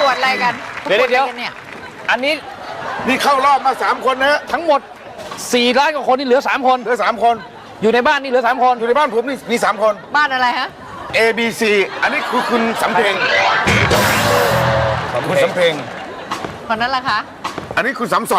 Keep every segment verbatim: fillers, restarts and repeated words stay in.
วดอะไรกันเดี๋ยวเดี๋ยวอันนี้นี่เข้ารอบมาสามคนนะทั้งหมดสี่ล้านกว่าคนนี่เหลือสามคนเหลือสามคนอยู่ในบ้านนี่เหลือสามคนอยู่ในบ้านผมนี่มีสามคนบ้านอะไรฮะ A B C อันนี้คือคุณสำเพ็งคุณสำเพ็งคนนั้นล่ะคะอันนี้คุณสำสอน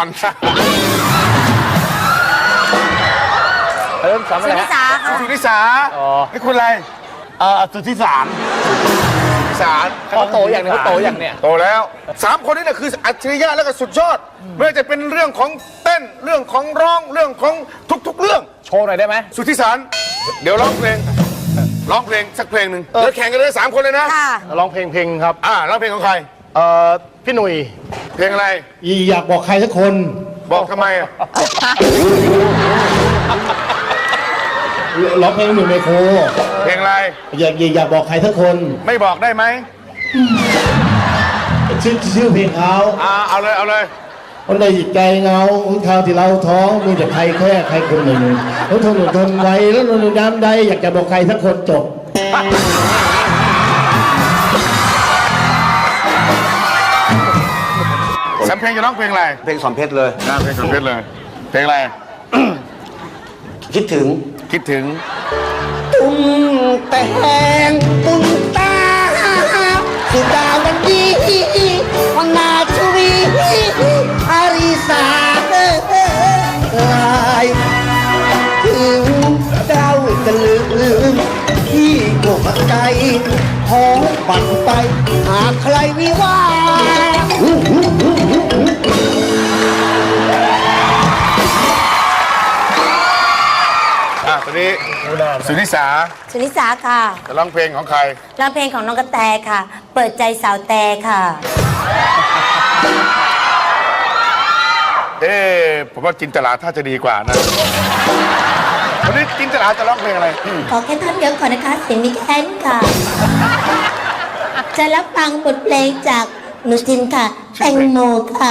เออสามอะไรสุนิสาค่ะสุนิสาอ๋อนี่คุณอะไรเอ่อสุทธิสารสารเขาโตอย่างเนี้ยเขาโตอย่างเนี้ยโตแล้วสามคนนี้นะคืออัจฉริยะแล้วก็สุดยอดไม่ว่าจะเป็นเรื่องของเต้นเรื่องของร้องเรื่องของทุกๆเรื่องโชว์หน่อยได้ไหมสุทธิสารเดี๋ยวร้องเพลงร้องเพลงสักเพลงหนึ่งเดี๋ยวแข่งกันเลยสามคนเลยนะค่ะร้องเพลงเพลงครับอ่าร้องเพลงของใครเอ่อพี่หนุ่ยเพลงอะไรอยากบอกใครสักคนบอกทำไมอะร้องเพลงหนุ่ยไมโครเพลงอะไรอยากอยากบอกใครสักคนไม่บอกได้ไหมชื่อชื่อเพลงเขาอ่าเอาเลยเอาเลยคนใดจิตใจเงาของเขาที่เราท้องมีแต่ใครแค่ใครคนหนึ่งต้องทนอดทนไว้แล้วนอนน้ำใดอยากจะบอกใครสักคนจบสำเพลงจะร้องเพลงอะไรเพลงสอนเพชรเลยน่าเพลงสำเพลงเลย เพลงอะไรคิดถึงคิดถึงตุ้มแต่แหงตุ้มตาสุดาวันดีวันนาชวีอาริสาลายถึงเจ้าจะลืมที่กบใจหอมปั่นไปหาใครวิวาอ่ะตอนนี้สุนิสาสุนิสาค่ะจะร้องเพลงของใครร้องเพลงของน้องกระแตค่ะ เปิดใจสาวแต่ค่ะเอ๊ะผมว่าจินตลาถ้าจะดีกว่านะวันนี้จินตลาจะร้องเพลงอะไรขอแค่ท่อนเดียวก่อนนะคะ เสียงมีแค่นี้ค่ะ จะรับฟังบทเพลงจากหนูจินค่ะ แตงโมค่ะ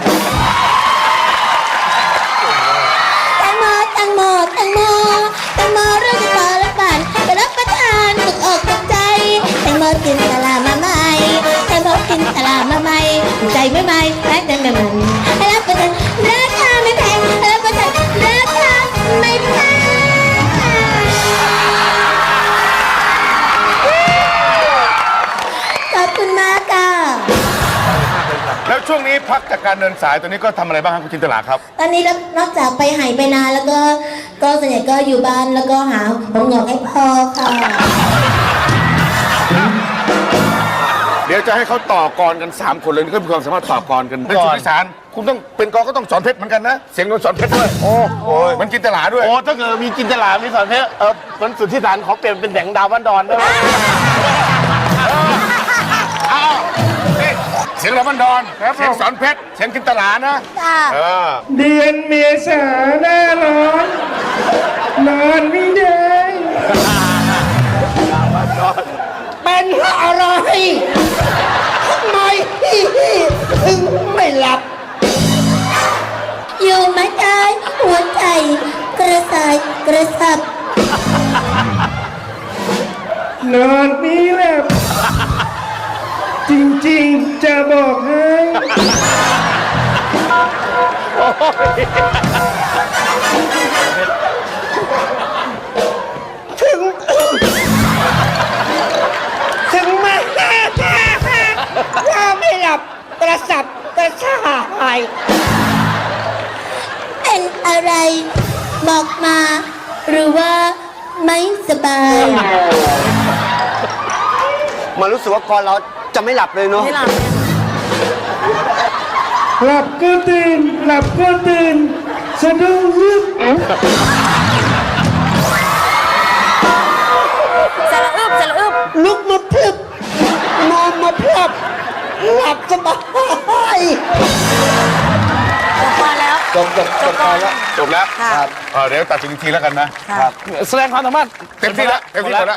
แตงโมแตงโมแตงโมแตงโมเรื่องจะต่อละบานไปรับประทานตกอกตกใจแตงโมกินตลามาใหม่แตงโมกินตลามาใหม่ใจไม่ใหม่และเดินเดินให้รับประทานราคาไม่แพงให้รับประทานราคาไม่แพงขอบคุณมากค่ะแล้วช่วงนี้พักจากการเดินสายตัวนี้ก็ทำอะไรบ้างครับคุณจินตลาครับตอนนี้นอกจากไปหายไปนานแล้วก็ก็ส่วนใหญ่ก็อยู่บ้านแล้วก็หาผมหงอกให้พ่อค่ะเดี๋ยวจะให้เขาต่อกรกันสามคนเลยนี่ก็มีความสามารถต่อกรกันเป็นสุนิสารคุณต้องเป็นกรก็ต้องสอนเพชรเหมือนกันนะเสียงนนสอนเพชรด้วยโอ้โหมันจินตลาด้วยโอ้ถ้าเกิดมีจินตลามีสอนเพชรเออมันสุทธิสารขอเปลี่ยนเป็นแสงดาวบ้านดอนได้ไหมเอานี่เสียงลำบันดอนเสียงสอนเพชรเสียงจินตลานะค่ะเออเดือนเมษาหน้าร้อนนอนไม่ได้เป็นอะไรทำไมถึงไม่หลับอยู่ไม่ได้หัวใจกระสายกระสับนอนไม่หลับจริงๆจะบอกให้ถึง ถึงแม้ว่าไม่หลับกระสับกระส่ายเป็นอะไรบอกมาหรือว่าไม่สบายมันรู้สึกว่าก่อนเราจะไม่หลับเลยเนาะไม่หลับหลับก็ตื่นหลับก็ตื่นสะดุ้งลึกสระอึบสระอึบลุกมาพลึบนอนมาพลับหลับสบายมาแล้วจบจบจบตอนแล้วจบแล้วครับเออเดี๋ยวตัดสินอีกทีแล้วกันนะครับแสดงความสามารถเต็มที่แล้วเต็มที่หมดแล้ว